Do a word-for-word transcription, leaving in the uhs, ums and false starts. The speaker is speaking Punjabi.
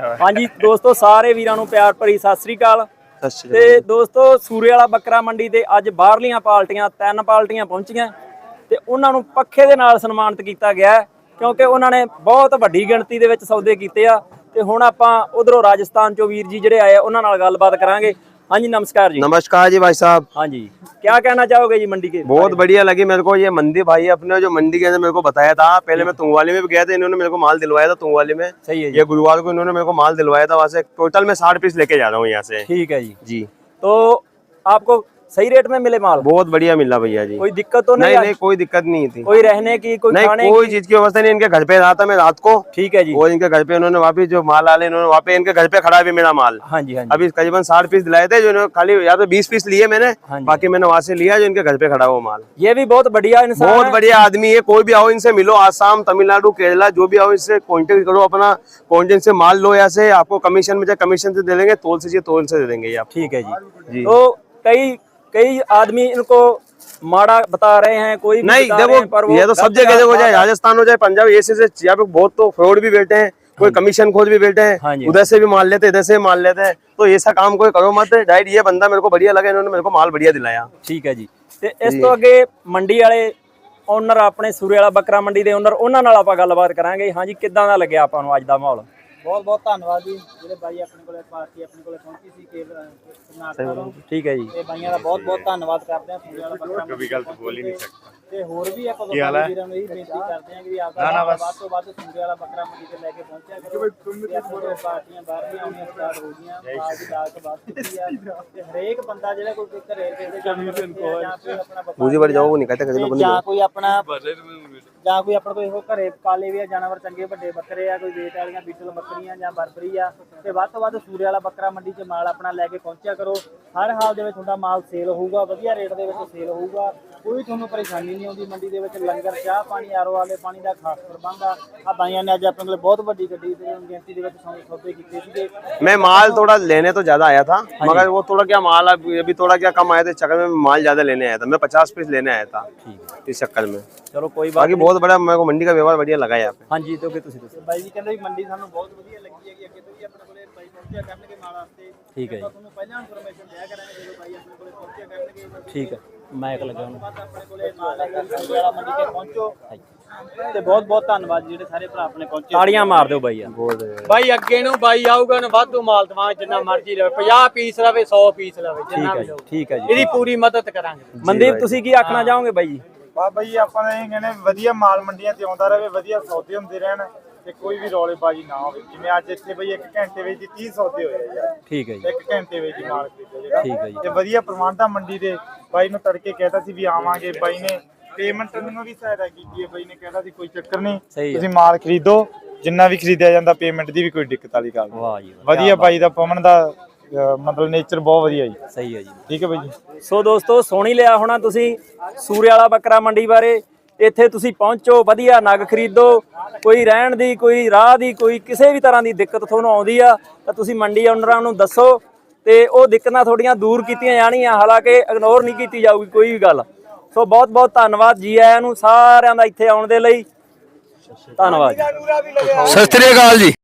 ਹਾਂਜੀ ਦੋਸਤੋ ਸਾਰੇ ਵੀਰਾਂ ਨੂੰ ਪਿਆਰ ਭਰੀ ਸਤਿ ਸ੍ਰੀ ਅਕਾਲ। ਤੇ ਦੋਸਤੋ ਸੂਰੇ ਵਾਲਾ ਬੱਕਰਾ ਮੰਡੀ ਤੇ ਅੱਜ ਬਾਹਰਲੀਆਂ ਪਾਰਟੀਆਂ ਤਿੰਨ ਪਾਰਟੀਆਂ ਪਹੁੰਚੀਆਂ ਤੇ ਉਹਨਾਂ ਨੂੰ ਪੱਖੇ ਦੇ ਨਾਲ ਸਨਮਾਨਿਤ ਕੀਤਾ ਗਿਆ ਕਿਉਂਕਿ ਉਹਨਾਂ ਨੇ ਬਹੁਤ ਵੱਡੀ ਗਿਣਤੀ ਦੇ ਵਿੱਚ ਸੌਦੇ ਕੀਤੇ ਆ। ਤੇ ਹੁਣ ਆਪਾਂ ਉਧਰੋਂ ਰਾਜਸਥਾਨ ਚੋਂ ਵੀਰ ਜੀ ਜਿਹੜੇ आए ਉਹਨਾਂ ਨਾਲ ਗੱਲਬਾत करांगे। हाँ जी नमस्कार जी। नमस्कार जी भाई साहब। हाँ जी क्या कहना चाहोगे जी मंडी के? बहुत बढ़िया लगी मेरे को ये मंडी भाई अपने जो मंडी के अंदर मेरे को बताया था। पहले मैं तुंगवाली में भी गया था, इन्होंने मेरे को माल दिलवाया था तुंगवाली में। सही है जी। ये गुरुवार को इन्होंने मेरे को माल दिलवाया था, वहाँ से टोटल मैं साठ पीस लेके जा रहा हूँ यहाँ से। ठीक है जी। जी तो आपको सही रेट में मिले माल? बहुत बढ़िया मिला भैया जी। कोई दिक्कत तो नहीं? नहीं नहीं कोई दिक्कत नहीं थी। कोई रहने की कोई नहीं खाने कोई की? चीज की व्यवस्था नहीं। इनके घर पे रहा था मैं रात को। ठीक है जी। और इनके घर पे उन्होंने वापिस जो माल आले इन्होंने वहाँ पे इनके घर पे खड़ा भी मेरा माल। हाँ जी हाँ जी। अभी करीबन साठ पीस दिलाए थे, जो खाली यहाँ पे बीस पीस लिए मैंने, बाकी मैंने वहाँ से लिया जो इनके घर पे खड़ा वो माल। ये भी बहुत बढ़िया इंसान, बहुत बढ़िया आदमी है। कोई भी आओ इनसे मिलो, आसाम तमिलनाडु केरला जो भी आओ इससे कॉन्टेक्ट करो, अपना कॉन्टेक्ट से माल लो। यहाँ से आपको कमीशन में कमीशन से दे देंगे, तोल से तोल से दे देंगे आप। ठीक है जी। तो कई कई आदमी इनको माड़ा बता रहे हैं, कोई भी नहीं देखो पर ये तो सब जगह हो जाए, राजस्थान हो जाए पंजाब, ऐसे से यहाँ पे बहुत तो फ्रॉड भी बैठे हैं, कोई कमीशन खोज भी बैठे हैं, उधर से भी माल लेते इधर से माल लेते हैं। तो ऐसा काम कोई करो मत। डायरेक्ट ये बंदा मेरे को बढ़िया लगा, इन्होंने मेरे को माल बढ़िया दिलाया। ठीक है जी। ਤੇ ਇਸ ਤੋਂ ਅੱਗੇ ਮੰਡੀ ਵਾਲੇ ਓਨਰ ਆਪਣੇ ਸੂਰੇ ਵਾਲਾ ਬੱਕਰਾ ਮੰਡੀ ਦੇ ਓਨਰ ਉਹਨਾਂ ਨਾਲ ਆਪਾਂ ਗੱਲਬਾਤ ਕਰਾਂਗੇ। ਹਾਂਜੀ ਕਿੱਦਾਂ ਦਾ ਲੱਗਿਆ ਆਪਾਂ ਨੂੰ ਅੱਜ ਦਾ ਮਾਹੌਲ? ਬਹੁਤ ਬਹੁਤ ਧੰਨਵਾਦ ਜੀ ਜਿਹੜੇ ਬਾਈ ਆਪਣੇ ਕੋਲੇ ਪਾਰਟੀ ਆਪਣੇ ਕੋਲੇ ਪਹੁੰਚੀ ਸੀ ਕਿ ਕਰਨਾਟਕ ਤੋਂ। ਠੀਕ ਹੈ ਜੀ। ਤੇ ਬਾਈਆਂ ਦਾ ਬਹੁਤ ਬਹੁਤ ਧੰਨਵਾਦ ਕਰਦੇ ਆ ਸੂਰੇ ਵਾਲਾ ਬੱਕਰਾ ਕभी गलत बोल ही नहीं सकता। ਤੇ ਹੋਰ ਵੀ ਆਪਾਂ ਵਪਾਰੀ ਵੀਰਾਂ ਨੂੰ ਇਹ ਬੇਨਤੀ ਕਰਦੇ ਆ ਕਿ ਵੀ ਆਪਦਾ ਵੱਧ ਤੋਂ ਵੱਧ ਸੂਰੇ ਵਾਲਾ ਬੱਕਰਾ ਮੰਡੀ ਤੇ ਲੈ ਕੇ ਪਹੁੰਚਿਆ ਕਰੋ। ਤੇ ਆਪਣੇ ਕੋਲੇ ਪਾਰਟੀਆਂ ਬਾਹਰਲੀਆਂ ਆਉਣੀਆਂ ਸਟਾਰਟ ਹੋ ਗਈਆਂ, ਆਜ ਦੀ ਦਾਤ ਬਾਤ ਕੀਤੀ ਆ ਤੇ ਹਰੇਕ ਬੰਦਾ ਜਿਹੜਾ ਕੋਈ ਘਰੇ ਦੇ ਜਾਨਵਰ ਜਾਂ ਕੋਈ ਆਪਣਾ मुझे बढ़ जाओ वो नहीं कहते कहीं ਜਾਂ ਕੋਈ ਆਪਣਾ ਜਾਂ ਕੋਈ ਆਪਣਾ ਕੋਈ ਘਰੇ ਪਾਲੇ ਵੀ ਆ ਜਾਨਵਰ ਚੰਗੇ ਵੱਡੇ ਬੱਕਰੇ ਆ, ਕੋਈ ਵੇਟ ਵਾਲੀਆਂ ਬੀਟਲ ਬੱਕਰੀਆਂ ਜਾਂ ਬਰਬਰੀ ਆ, ਤੇ ਵੱਧ ਤੋਂ ਵੱਧ ਸੂਰੇ ਵਾਲਾ ਬੱਕਰਾ ਮੰਡੀ 'ਚ ਮਾਲ ਆਪਣਾ ਲੈ ਕੇ ਪਹੁੰਚਿਆ ਕਰੋ। ਹਰ ਹਾਲ ਦੇ ਵਿੱਚ ਤੁਹਾਡਾ ਮਾਲ ਸੇਲ ਹੋਊਗਾ, ਵਧੀਆ ਰੇਟ ਦੇ ਵਿੱਚ ਸੇਲ ਹੋਊਗਾ, ਕੋਈ ਤੁਹਾਨੂੰ ਪਰੇਸ਼ਾਨੀ ਨਹੀਂ ਆਉਂਦੀ। ਮੰਡੀ ਦੇ ਵਿੱਚ ਲੰਗਰ ਚਾਹ ਪਾਣੀ ਆਰੋ ਵਾਲੇ ਪਾਣੀ ਦਾ ਖਾਸ ਪ੍ਰਬੰਧ ਆ। ਆ ਬਾਈਆਂ ਨੇ ਅੱਜ ਆਪਣੇ ਕੋਲ ਬਹੁਤ ਵੱਡੀ ਗੱਡੀ ਦੇ ਗਿਣਤੀ ਦੇ ਵਿੱਚ ਸੌਦੇ ਕੀਤੇ ਸੀਗੇ। मैं माल थोड़ा लेने तो ज्यादा आया था, मगर वो थोड़ा क्या माल अभी थोड़ा क्या कम आया था, इस चक्कर में माल ज्यादा लेने आया था। मैं पचास पीस लेने आया था इस चक्कर में। चलो कोई बात बाकी बहुत बड़ा मेरे को मंडी का व्यवहार बढ़िया लगा यहाँ पे। हाँ जी तो ਤੁਸੀਂ ਦੱਸੋ। ਬਾਈ ਜੀ ਕਹਿੰਦੇ ਵੀ ਮੰਡੀ ਸਾਨੂੰ ਬਹੁਤ ਵਧੀਆ ਲੱਗੀ ਹੈਗੀ, ਅੱਗੇ ਤੋਂ ਵੀ ਆਪਣੇ ਕੋਲੇ ਬਾਈ ਪਹੁੰਚਿਆ ਕਰਨਗੇ ਮਾਲ ਵਾਸਤੇ। ਠੀਕ ਹੈ ਜੀ। ਤੁਹਾਨੂੰ ਪਹਿਲਾਂ ਇਨਫੋਰਮੇਸ਼ਨ ਦਿਆ ਕਰਾਂਗੇ ਜਦੋਂ ਬਾਈ ਆਪਣੇ ਕੋਲੇ ਪਹੁੰਚਿਆ ਕਰਨਗੇ। ਠੀਕ ਹੈ ਮਾਈਕ ਲਗਾਉਣ ਬਾਅਦ ਆਪਣੇ ਕੋਲੇ ਮਾਲ ਲੈ ਕੇ ਸੂਰੇ ਵਾਲਾ ਮੰਡੀ ਤੇ ਪਹੁੰਚੋ। ਤੇ ਬਹੁਤ ਬਹੁਤ ਧੰਨਵਾਦ ਜਿਹੜੇ ਸਾਰੇ ਭਰਾ ਆਪਣੇ ਪਹੁੰਚੇ। ਤਾੜੀਆਂ ਮਾਰ ਦਿਓ ਬਾਈ ਯਾਰ। ਬਾਈ ਅੱਗੇ ਨੂੰ ਬਾਈ ਆਊਗਾ ਨਾ ਵਾਧੂ ਮਾਲ ਦਵਾਂ ਜਿੰਨਾ ਮਰਜ਼ੀ ਲਵੇ, ਪੰਜਾਹ ਪੀਸ ਲਵੇ ਸੌ ਪੀਸ ਲਵੇ, ਜਿੰਨਾ ਵੀ ਲਵੇ। ਠੀਕ ਹੈ ਜੀ। ਇਹਦੀ ਪੂਰੀ ਮਦਦ ਕਰਾਂਗੇ। ਮਨਦੀਪ ਤੁਸੀਂ ਕੀ ਆਖਣਾ ਚਾਹੋਗੇ ਬਾਈ ਜੀ? ਬਾ ਬਈ ਆਪਾਂ ਨੇ ਕਹਿੰਦੇ ਵਧੀਆ ਮਾਲ ਮੰਡੀਆਂ ਤੇ ਆਉਂਦਾ ਰਹੇ, ਵਧੀਆ ਸੌਦੇ ਹੁੰਦੇ ਰਹਿਣ ਤੇ ਕੋਈ ਵੀ ਰੌਲੇਬਾਜ਼ੀ ਨਾ ਹੋਵੇ। ਜਿਵੇਂ ਅੱਜ ਇੱਥੇ ਬਈ ਇੱਕ ਘੰਟੇ ਵਿੱਚ ਹੀ ਤੀਹ ਸੌਦੇ ਹੋਏ ਯਾਰ। ਠੀਕ ਹੈ ਜੀ। ਇੱਕ ਘੰਟੇ ਵਿੱਚ ਹੀ ਮਾਲ ਖਰੀਦਿਆ ਜਿਹੜਾ। ਠੀਕ ਹੈ ਜੀ। ਤੇ ਵਧੀਆ ਪ੍ਰਬੰਧ ਆ ਮੰਡੀ ਦੇ। ਬਾਈ ਨੂੰ ਤੜਕੇ ਕਹਿਤਾ ਸੀ ਵੀ ਆਵਾਂਗੇ, ਬਾਈ ਨੇ ਪੇਮੈਂਟ ਨੂੰ ਵੀ ਸਹਾਇਤਾ ਕੀਤੀ ਹੈ। ਬਾਈ ਨੇ ਕਹਿਤਾ ਸੀ ਕੋਈ ਚੱਕਰ ਨਹੀਂ, ਤੁਸੀਂ ਮਾਲ ਖਰੀਦੋ, ਜਿੰਨਾ ਵੀ ਖਰੀਦਿਆ ਜਾਂਦਾ ਪੇਮੈਂਟ ਦੀ ਵੀ ਕੋਈ ਦਿੱਕਤ ਵਾਲੀ ਗੱਲ ਨਹੀਂ। ਵਾਹ ਜੀ ਵਧੀਆ ਬਾਈ ਦਾ ਪਵਨ ਦਾ ਮਤਲਬ ਨੇਚਰ ਬਹੁਤ ਵਧੀਆ ਜੀ। ਸਹੀ ਹੈ ਜੀ। ਠੀਕ ਹੈ ਬਾਈ ਜੀ। ਸੋ ਦੋਸਤੋ ਸੁਣੀ ਲਿਆ ਹੋਣਾ ਤੁਸੀਂ ਸੂਰੇ ਵਾਲਾ ਬੱਕਰਾ ਮੰਡੀ ਬਾਰੇ। ਇੱਥੇ ਤੁਸੀਂ ਪਹੁੰਚੋ, ਵਧੀਆ ਨਗ ਖਰੀਦੋ, ਕੋਈ ਰਹਿਣ ਦੀ ਕੋਈ ਰਾਹ ਦੀ ਕੋਈ ਕਿਸੇ ਵੀ ਤਰ੍ਹਾਂ ਦੀ ਦਿੱਕਤ ਤੁਹਾਨੂੰ ਆਉਂਦੀ ਆ ਤਾਂ ਤੁਸੀਂ ਮੰਡੀ ਓਨਰਾਂ ਨੂੰ ਦੱਸੋ ਤੇ ਉਹ ਦਿੱਕਤਾਂ ਤੁਹਾਡੀਆਂ ਦੂਰ ਕੀਤੀਆਂ ਜਾਣੀਆਂ, ਹਾਲਾਂਕਿ ਇਗਨੋਰ ਨਹੀਂ ਕੀਤੀ ਜਾਊਗੀ ਕੋਈ ਵੀ ਗੱਲ। ਸੋ ਬਹੁਤ ਬਹੁਤ ਧੰਨਵਾਦ ਜੀ ਆਇਆਂ ਨੂੰ ਸਾਰਿਆਂ ਦਾ ਇੱਥੇ ਆਉਣ ਦੇ ਲਈ। ਧੰਨਵਾਦ। सत श्री अकाल जी।